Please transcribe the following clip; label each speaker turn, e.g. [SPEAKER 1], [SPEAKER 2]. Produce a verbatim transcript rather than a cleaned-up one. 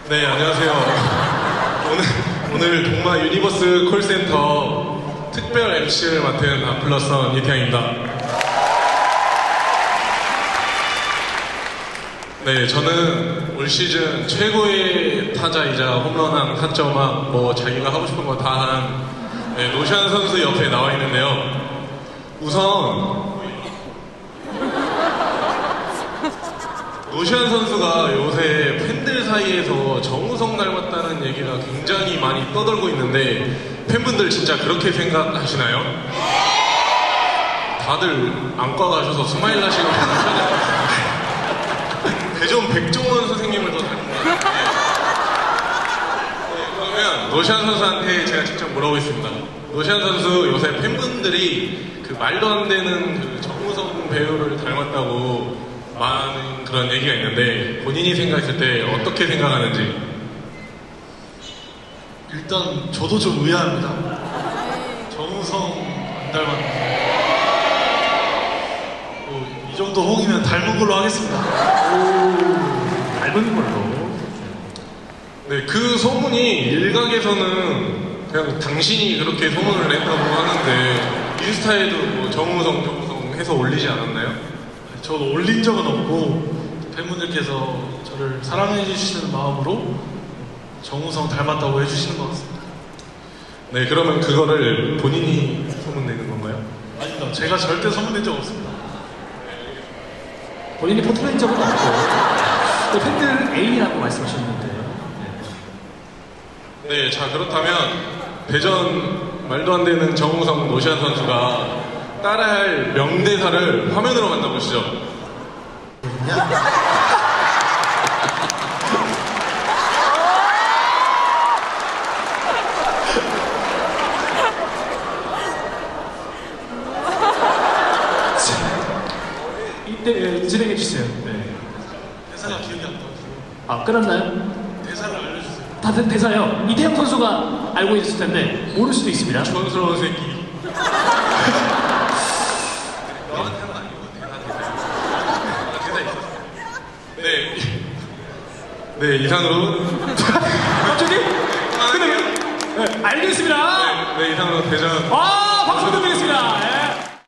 [SPEAKER 1] 네, 안녕하세요. 오늘, 오늘 동마 유니버스 콜센터 특별 엠씨를 맡은 아플러선 이태양입니다. 네, 저는 올 시즌 최고의 타자이자 홈런왕, 타점왕, 뭐 자기가 하고 싶은 거 다 한 네, 노시안 선수 옆에 나와 있는데요. 우선 노시안 선수가 요새 팬들 사이에서 정우성 닮았다는 얘기가 굉장히 많이 떠돌고 있는데 팬분들 진짜 그렇게 생각하시나요? 다들 안과 가셔서 스마일 하시고 대전 백종원 선생님을 더 닮은 것 같아요. 네, 그러면 노시안 선수한테 제가 직접 물어보겠습니다. 노시안 선수 요새 팬분들이 그 말도 안 되는 그 정우성 배우를 닮았다고 많은 그런 얘기가 있는데 본인이 생각했을 때 어떻게 생각하는지.
[SPEAKER 2] 일단 저도 좀 의아합니다. 정우성 안 닮았는데 뭐, 이 정도 홍이면 닮은 걸로 하겠습니다.
[SPEAKER 3] 오, 닮은 걸로.
[SPEAKER 1] 네, 그 소문이 일각에서는 그냥 당신이 그렇게 소문을 냈다고 하는데 인스타에도 뭐 정우성 정우성 해서 올리지 않았나요?
[SPEAKER 2] 저도 올린 적은 없고 팬분들께서 저를 사랑해 주시는 마음으로 정우성 닮았다고 해주시는 것 같습니다.
[SPEAKER 1] 네, 그러면 그거를 본인이 소문내는 건가요?
[SPEAKER 2] 아닙니다. 제가 절대 소문낸 적 없습니다.
[SPEAKER 3] 본인이 포토낸 적은 없고 또 팬들 A라고 말씀하셨는데. 네.
[SPEAKER 1] 네, 자 그렇다면 대전 말도 안 되는 정우성 노시안 선수가 따라할 명대사를 화면으로 만나보시죠.
[SPEAKER 3] 이때 진행해 주세요. 네.
[SPEAKER 2] 대사가 기억이 안 나요.
[SPEAKER 3] 아, 끊었나요?
[SPEAKER 2] 대사를 알려주세요.
[SPEAKER 3] 다들 대사요. 이태영 선수가 알고 있을 텐데 모를 수도 있습니다.
[SPEAKER 1] 촌스러운 새끼. 너한테는 아니고 대사 대사. 대사 있었어요. 네. 네, 이상으로.
[SPEAKER 3] 갑자기? 근데 네, 알겠습니다.
[SPEAKER 1] 네, 네, 이상으로 대전.
[SPEAKER 3] 아, 박수 드리겠습니다. 예.